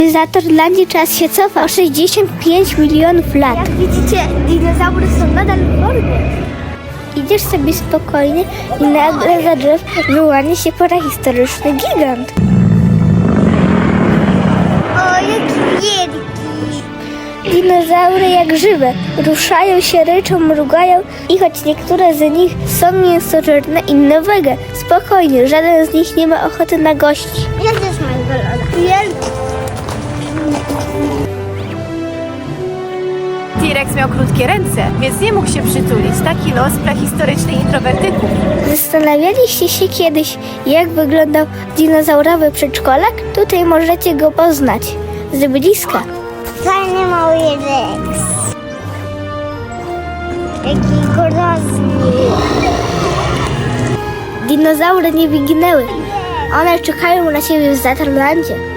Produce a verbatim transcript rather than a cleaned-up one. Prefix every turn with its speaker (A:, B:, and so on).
A: W Zatorlandzie czas się cofa o sześćdziesiąt pięć milionów lat. Jak widzicie, dinozaury są nadal w formie. Idziesz sobie spokojnie i nagle za drzew wyłania się prehistoryczny gigant. O, jaki wielki! Dinozaury jak żywe, ruszają się, ryczą, mrugają i choć niektóre z nich są mięsożerne, inne wege. Spokojnie, żaden z nich nie ma ochoty na gości. Ja też mam golona. Wielki!
B: T-Rex miał krótkie ręce, więc nie mógł się przytulić. Taki los prehistorycznych introwertyków.
A: Zastanawialiście się kiedyś, jak wyglądał dinozaurowy przedszkolak? Tutaj możecie go poznać z bliska. Fajny mały Rex. Jaki groźny. Dinozaury nie wyginęły. One czekają na ciebie w Zatorlandzie.